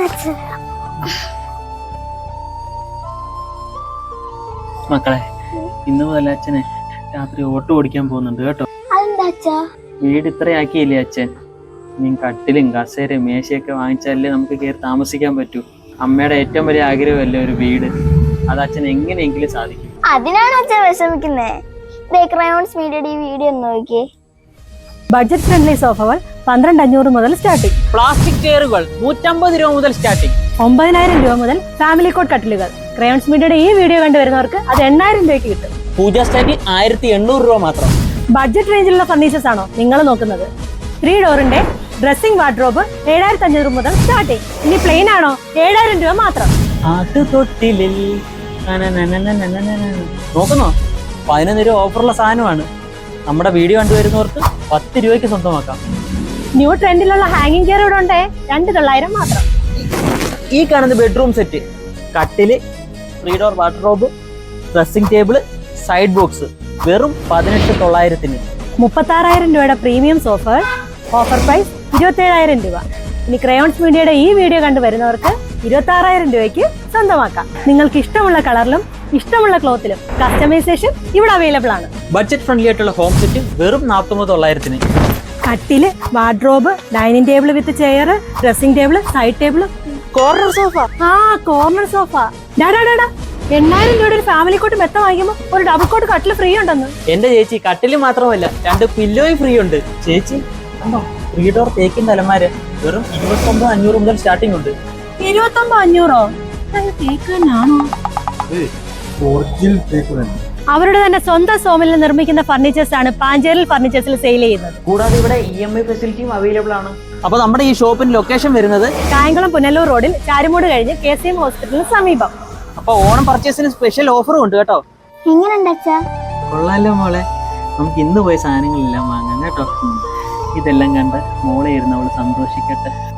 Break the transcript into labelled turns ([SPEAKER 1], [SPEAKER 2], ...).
[SPEAKER 1] മക്കളെ, ഇന്ന് മുതൽ അച്ഛനെ രാത്രി ഓട്ടോ ഓടിക്കാൻ പോകുന്നുണ്ട് കേട്ടോ. വീട് ഇത്രയാക്കിയില്ലേ അച്ഛൻ. നീ കട്ടിലും കസേരയും മേശയൊക്കെ വാങ്ങിച്ചാലേ നമുക്ക് കയറി താമസിക്കാൻ പറ്റൂ. അമ്മയുടെ ഏറ്റവും വലിയ ആഗ്രഹമല്ലേ ഒരു വീട്. അത് അച്ഛൻ എങ്ങനെയെങ്കിലും സാധിക്കും.
[SPEAKER 2] അതിനാണ് അച്ഛൻ വിഷമിക്കുന്നേ. ക്രയോൺസ് മീഡിയയുടെ ഈ വീഡിയോ ഒന്ന് നോക്കിയേ.
[SPEAKER 3] ബഡ്ജറ്റ് ഫ്രണ്ട്ലി സോഫകൾ 12,500 മുതൽ സ്റ്റാർട്ടിംഗ്.
[SPEAKER 1] പ്ലാസ്റ്റിക് ചെയറുകൾ 150 രൂപ മുതൽ സ്റ്റാർട്ടിംഗ്.
[SPEAKER 3] 9,000 രൂപ മുതൽ ഫാമിലി കോട്ട് കട്ടിലുകൾ. ക്രയോൺസ് മീഡിയയുടെ ഈ വീഡിയോ കണ്ടുവരുന്നവർക്ക് അത് 8,000 രൂപയ്ക്ക് കിട്ടും.
[SPEAKER 1] പൂജ സ്റ്റാൻഡിൽ 1,800 രൂപ മാത്രം.
[SPEAKER 3] ബഡ്ജറ്റ് റേഞ്ചിലുള്ള ഫർണിച്ചേഴ്സ് ആണോ നിങ്ങൾ നോക്കുന്നത്? 3 ഡോറിന്റെ ഡ്രസ്സിംഗ് വാർഡ്രോബ് 7,500 മുതൽ സ്റ്റാർട്ടിംഗ്. ഇനി പ്ലെയിൻ ആണോ? 7,000 രൂപ മാത്രം.
[SPEAKER 1] നോക്കുന്നോ? 15 രൂപ ഓഫറുള്ള സാധനമാണ്. നമ്മുടെ വീഡിയോ കണ്ടുവരുന്നവർക്ക് 10 രൂപയ്ക്ക് സ്വന്തമാക്കാം.
[SPEAKER 3] ന്യൂ ട്രെൻഡിലുള്ള ഹാങ്ങിങ് ചെയർ ഇവിടെ ഉണ്ടേ, 2,900 മാത്രം.
[SPEAKER 1] ഈ കാണുന്ന ബെഡ്റൂം സെറ്റ്, കട്ടില്, 3 door wardrobe, dressing table, side box വെറും 18,900.
[SPEAKER 3] 36,000 രൂപയുടെ പ്രീമിയം സോഫകൾ ഓഫർ പ്രൈസ് 27,000 രൂപ. ഇനി ക്രയോൺസ് മീഡിയയുടെ ഈ വീഡിയോ കണ്ടുവരുന്നവർക്ക് 26,000 രൂപയ്ക്ക് സ്വന്തമാക്കാം. നിങ്ങൾക്ക് ഇഷ്ടമുള്ള കളറിലും ഇഷ്ടമുള്ള ക്ലോത്തിലും കസ്റ്റമൈസേഷൻ ഇവിടെ അവൈലബിൾ ആണ്.
[SPEAKER 1] ബഡ്ജറ്റ് ഫ്രണ്ട്ലി ആയിട്ടുള്ള ഹോം സെറ്റ് വെറും 49,900.
[SPEAKER 3] കട്ടില്, wardrobe, dining table with chair, dressing table, side table,
[SPEAKER 1] corner sofa.
[SPEAKER 3] Corner sofa. 8,000 രൂപയുടെ ഒരു ഫാമിലി കോട്ട് മെത്ത വാങ്ങിക്കുമ്പോൾ ഒരു ഡബിൾ കോട്ട് കട്ടില് ഫ്രീ ഉണ്ടെന്ന്.
[SPEAKER 1] എന്റെ ചേച്ചി, കട്ടില് മാത്രമല്ല 2 പില്ലോയും ഫ്രീ ഉണ്ട്. ചേച്ചി കണ്ടോ, 3 ഡോർ തേക്കിന്റെ അലമാര വെറും 29,500 മുതൽ സ്റ്റാർട്ടിംഗ് ഉണ്ട്.
[SPEAKER 3] 29,500? തേക്ക് തന്നെയാണോ? അവരുടെ തന്നെ സ്വന്തം സോമിൽ നിർമ്മിക്കുന്ന ഫർണിച്ചേഴ്സ് ആണ് പാഞ്ചേരിൽ ഫർണിച്ചേഴ്സിൽ സെയിൽ ചെയ്യുന്നത്.
[SPEAKER 1] കൂടാതെ ഇവിടെ EMI ഫെസിലിറ്റിയും അവൈലബിൾ ആണ്. അപ്പൊ നമ്മുടെ ഈ ഷോപ്പിന്റെ ലൊക്കേഷൻ വരുന്നത്
[SPEAKER 3] കായംകുളം പുനലൂർ റോഡിൽ ചാരുമൂട് കഴിഞ്ഞ് KCM ഹോസ്പിറ്റലിന് സമീപം.
[SPEAKER 1] അപ്പൊ ഓണം പർച്ചേസിന് സ്പെഷ്യൽ ഓഫറും ഉണ്ട് കേട്ടോ.
[SPEAKER 2] എങ്ങനെയുണ്ട് അച്ഛാ?
[SPEAKER 1] കൊള്ളാലോ മോളെ. നമുക്ക് ഇന്ന് പോയ സാധനങ്ങളെല്ലാം വാങ്ങാം കേട്ടോ. ഇതെല്ലാം കണ്ട് മോളെ ഇരുന്ന് അവള് സന്തോഷിക്കട്ടെ.